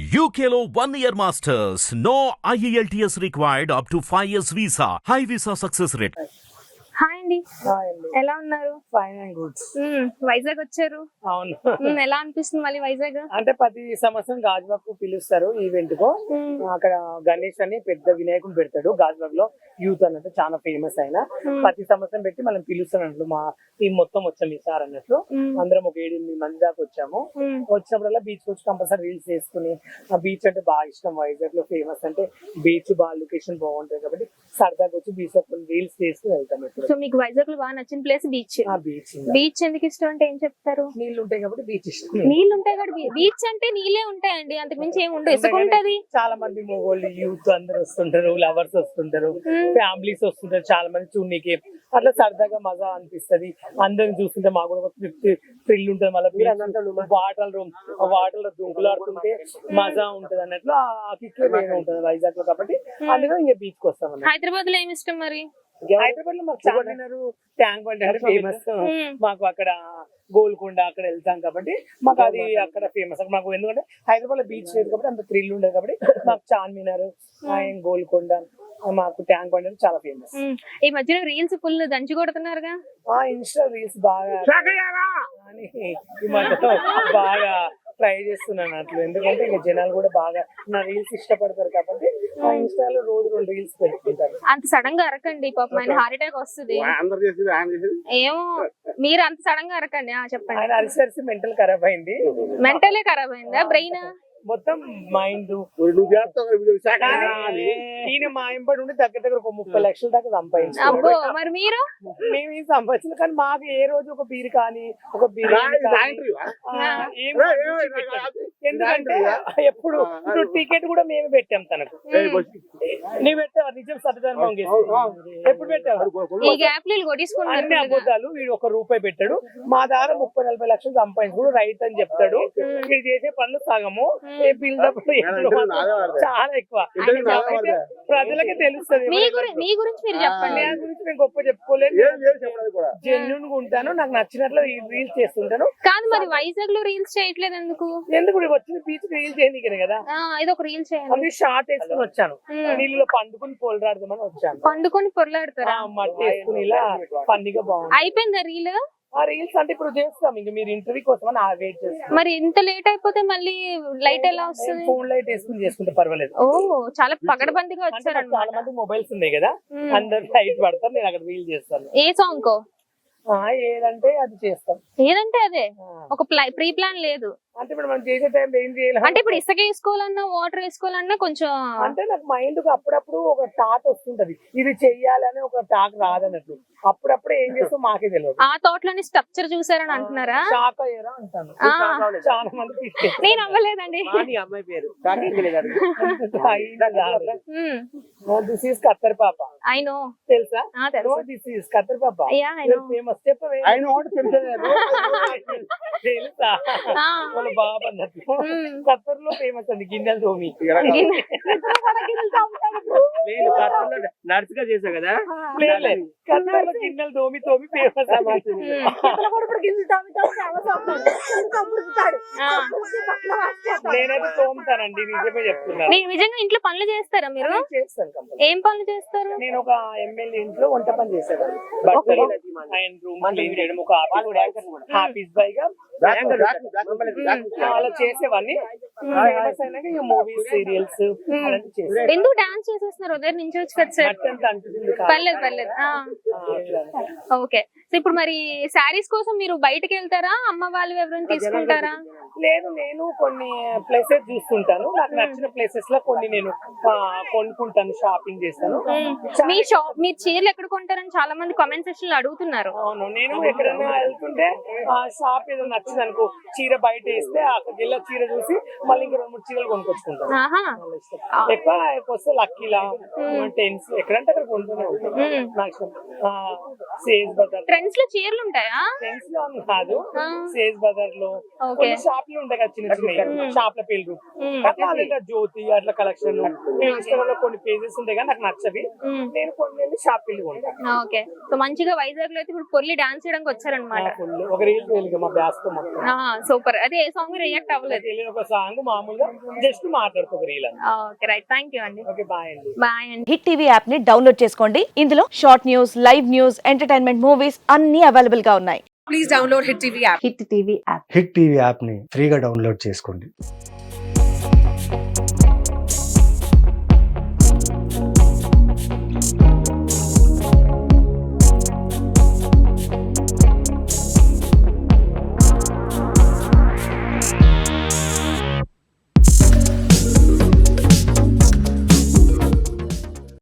UKLO 1 year masters. No IELTS required up to 5 years visa. High visa success rate. Hi అండి, hi అండి. ఎలా ఉన్నారు? Fine and good. Vizag వచ్చారు. అవును. ఎలా అనిపిస్తుంది మళ్ళీ వైజాగ్? అంటే ప్రతి సంవత్సరం గాజువాక్ పిలుస్తారు ఈవెంట్ కు. అక్కడ గణేష్ అని పెద్ద వినాయకుడు పెడతాడు గాజువాక్ లో. యూత్ అన్నట్టు చాలా ఫేమస్ అయిన ప్రతి సంవత్సరం పెట్టి మనం పిలుస్తాను అన్నట్లు. మా టీం మొత్తం వచ్చాము ఈసారి అన్నట్లు. అందరం ఒక 7-8 మంది దాకా వచ్చాము. వచ్చినప్పుడల్లా బీచ్ వచ్చి కంపల్సరీ రీల్స్ చేసుకుని, ఆ బీచ్ అంటే బాగా ఇష్టం. వైజాగ్ లో ఫేమస్ అంటే బీచ్, బాగా లొకేషన్ బాగుంటుంది కాబట్టి సరదాగా వచ్చి బీచ్ లో రీల్స్ చేసుకుని వెళ్తాం. సో మీకు వైజాగ్ లో బాగా నచ్చిన ప్లేస్ బీచ్. బీచ్ ఎందుకు ఇష్టం అంటే ఏం చెప్తారు? నీళ్లు ఉంటాయి కాబట్టి బీచ్ ఇష్టం. నీళ్లు ఉంటాయి కాబట్టి బీచ్ అంటే నీళ్ళే ఉంటాయండి, అంతకు మించి ఏమి ఉండదు. ఇసుక ఉంటది. చాలా మంది మొగోళ్ళు యూత్ అందరు వస్తుంటారు, లవర్స్ వస్తుంటారు, ఫ్యామిలీస్ వస్తుంటారు, చాలా మంది చూడనీకి. అట్లా సరదాగా మజా అనిపిస్తది. అందరిని చూస్తుంటే మాకు కూడా థ్రిల్ ఉంటుంది. మళ్ళీ వాటర్ లో దుంకులాడుతుంటే మజా ఉంటది అన్నట్లు ఆ కిక్ వేరే ఉంటది వైజాగ్ లో. కాబట్టి అందుకని ఇంకా బీచ్ కి వస్తాం. హైదరాబాద్ లో ఏమి ఇష్టం మరి? హైదరాబాద్ లో మాకు చార్మినార్, ట్యాంక్ బండ్ అంటే ఫేమస్. మాకు అక్కడ గోల్కొండ అక్కడ వెళ్తాం కాబట్టి మాకు అది అక్కడ ఫేమస్. మాకు ఎందుకంటే హైదరాబాద్ లో బీచ్ లేదు కాబట్టి అంత థ్రిల్ ఉండదు కాబట్టి మాకు చార్మినార్, గోల్కొండ, మాకు ట్యాంక్ బండ్ అంటే చాలా ఫేమస్. ఈ మధ్యన రీల్స్ ఫుల్ దంచి కొడుతున్నారుగా. ఇన్స్టా రీల్స్ బాగా అని ఈ మధ్య బాగా ట్రై చేస్తున్నాను అట్లా. ఎందుకంటే ఇంకా జనాలు కూడా బాగా నా రీల్స్ ఇష్టపడతారు కాబట్టి ఆ ఇన్స్టాలో రోజు 2 రీల్స్ పెట్టుకుంటారు. అంత సడన్ గా అరకండి, పాపం ఆయన హార్ట్ అటాక్ వస్తుంది. ఏమో మీరు అంత సడన్ గా అరకండి. చెప్పండి. ఆయన అరిసరిసి మెంటల్ ఖరాబ్ అయింది. మెంటలే ఖరాబ్ అయిందా? బ్రెయిన్ మొత్తం మైండ్. ఈయన మా ఇంపడి ఉండి దగ్గర ఒక 30 లక్షల దాకా సంపాదించారు. అబ్బో, మరి మీరు? మేము ఏం సంపాదించలేదు, కానీ మాకు ఏ రోజు ఒక బీర్ కానీ ఒక బిర్యానీ ఎందుకంటే ఎప్పుడు టికెట్ కూడా మేమే పెట్టాం తనకు. నువ్వు పెట్టావా? నిజం సత్యధర్మం ఎప్పుడు పెట్టావు? ఈ గ్యాప్ అన్ని అబద్ధాలు. వీడు ₹1 పెట్టాడు. మా దగ్గర 30-40 లక్షలు సంపాదించుడు రైట్ అని చెప్తాడు. వీడు చేసే పనులు సగము, చాలా ఎక్కువ. ప్రజలకే తెలుస్తుంది. మీ గురించి మీరు చెప్పండి. నా గురించి నేను గొప్ప చెప్పుకోలేదు. జెన్యూన్ గా ఉంటాను, నాకు నచ్చినట్లు రీల్స్ చేస్తుంటాను. కాదు మరి వైజాగ్ లో రీల్స్ చేయట్లేదు ఎందుకు? ఎందుకు వచ్చిన బీచ్ రీల్ చేయడానికి కదా. ఇది ఒక రీల్ చేయండి. అది షార్ట్ వేసుకుని వచ్చాను. నీళ్ళలో పండుకుని పొలరాడదామని వచ్చాను. పండుకొని పొరలాడతారా? మట్టి వేసుకుని ఇలా పండుగ బాగుంది. అయిపోయిందా రీల్? ఆ రీల్స్ అంటే ఇప్పుడు చేస్తాం. ఇంకా మీరు ఇంటర్వ్యూ కోసం వెయిట్ చేస్తాం. మరి ఇంత లేట్ అయిపోతే మళ్ళీ లైట్ ఎలా వస్తుంది? ఫోన్ లైట్ వేసుకుని చేసుకుంటే పర్వాలేదు. ఓ, చాలా పగడబందిగా వచ్చారు. చాలా మంది మొబైల్స్ ఉన్నాయి కదా, అందరు లైట్ పడతారు. నేను అక్కడ రీల్ చేస్తాను. ఏ సాంగ్ కో? ఏదంటే అది చేస్తాం. ఏదంటే అదే. ఒక ప్రీ ప్లాన్ లేదు అంటే ఇప్పుడు మనం చేసే టైం ఏం చేయాలి అంటే ఇప్పుడు ఇసుక వేసుకోవాలన్నా వాటర్ వేసుకోవాలన్నా కొంచెం అంటే నాకు మైండ్ కు అప్పుడప్పుడు ఒక థాట్ వస్తుంటది, ఇది చెయ్యాలని ఒక థాట్ రాదన్నట్లు. అప్పుడప్పుడు ఏం చేస్తాం మాకే తెలియదు. ఆ థాట్ లోని స్ట్రక్చర్ చూసారని అంటున్నారా? షాక్ అయ్యారా అంటాను. చాలా మంది. నేను అవ్వలేదండి. అమ్మాయి పేరు దిస్ ఈస్ కత్తర్ పాప. I know. తెలుసా? దిస్ ఈస్ కత్తర్ పాప. ఫేమస్. చెప్పవే. తెలుసా? బాబా అన్నట్టు కత్తర్ లో ఫేమస్ అండి గిన్నెలు తోమి. నేను కత్తర్లో నర్స్ గా చేసా కదా. కత్తర్ లో గిన్నెలు తోమి ఫేమస్. నేనైతే తోముతానండి, నిజమే చెప్తున్నాను. నిజంగా ఇంట్లో పనులు చేస్తారా మీరు? చేస్తాను. ఏం పనులు చేస్తారు? నేను ఒక ఎమ్మెల్యే ఇంట్లో వంట పని చేసేవాడిని. బట్టలు అండ్ రూమ్ క్లీన్ చేయడం, ఒక ఆఫీస్ బాయ్ గా అలా చేసేవాడిని. ఫేమస్ అయినాక ఇక మూవీస్, సీరియల్స్ అలాంటి చేసేవాడిని. ఎందుకు డాన్స్ చేసేస్తున్నారు? ఉదయం నుంచి వచ్చి పర్లేదు పర్లేదు. ఓకే. సో ఇప్పుడు మరి శారీస్ కోసం మీరు బయటకు వెళ్తారా, అమ్మ వాళ్ళు ఎవరైనా తీసుకుంటారా? లేదు, నేను కొన్ని ప్లేసెస్ చూస్తుంటాను. నాకు నచ్చిన ప్లేసెస్ లో కొన్ని నేను కొనుక్కుంటాను, షాపింగ్ చేస్తాను. మీరు చీరలు ఎక్కడ కొంటారని చాలా మంది కామెంట్ సెక్షన్ లో అడుగుతున్నారు. అవును, నేను ఎక్కడైనా వెళ్తుంటే ఆ షాప్ ఏదో నచ్చింది అనుకో, చీర బయట వేస్తే అక్కడికి వెళ్ళి చీర చూసి మళ్ళీ ఇంకా 2-3 చీరలు కొనుక్కొచ్చుకుంటాను. ఎక్కువ వస్తే లక్కీలా, టెన్స్ ఎక్కడంటే అక్కడ కొంటూనే ఉంటాను. నాకు సేజ్ బజార్ ట్రెండ్స్ లో చీరలు ఉంటాయా? ట్రెండ్స్ లో కాదు, సేజ్ బజార్ లో కొన్ని షాప్ లో ఉంటాయి కదా చిన్న చిన్న షాప్ల పేర్లు అట్లా లేదా జ్యోతి అట్లా కలెక్షన్ ఇన్స్టాగ్రామ్ లో కొన్ని పేజెస్ ఉంటాయి కానీ నాకు నచ్చవి. నేను కొన్ని వెళ్ళి షాప్ వెళ్ళి కొంటాను. ఓకే, సో మంచిగా వైజాగ్ లో అయితే ఇప్పుడు పొల్లి డాన్స్ చేయడానికి వచ్చారనమాట. ఒక రీల్ తెలియదు మా బ్యాస్ తో మొత్తం. సూపర్. అదే ఏ సాంగ్ రియాక్ట్ అవ్వలేదు? తెలియని ఒక సాంగ్ మామూలుగా జస్ట్ మాట్లాడుకో ఒక రీల్ అని. ఓకే రైట్, థ్యాంక్ యూ అండి. ఓకే బాయ్ అండి. బాయ్ అండి. హిట్ టీవీ యాప్ ని డౌన్లోడ్ చేసుకోండి. ఇందులో short news, live news, entertainment movies అన్ని అవైలబుల్ గా ఉన్నాయి. Please download Hit TV app. Hit TV app Hit TV యాప్ని ఫ్రీగా డౌన్లోడ్ చేసుకోండి.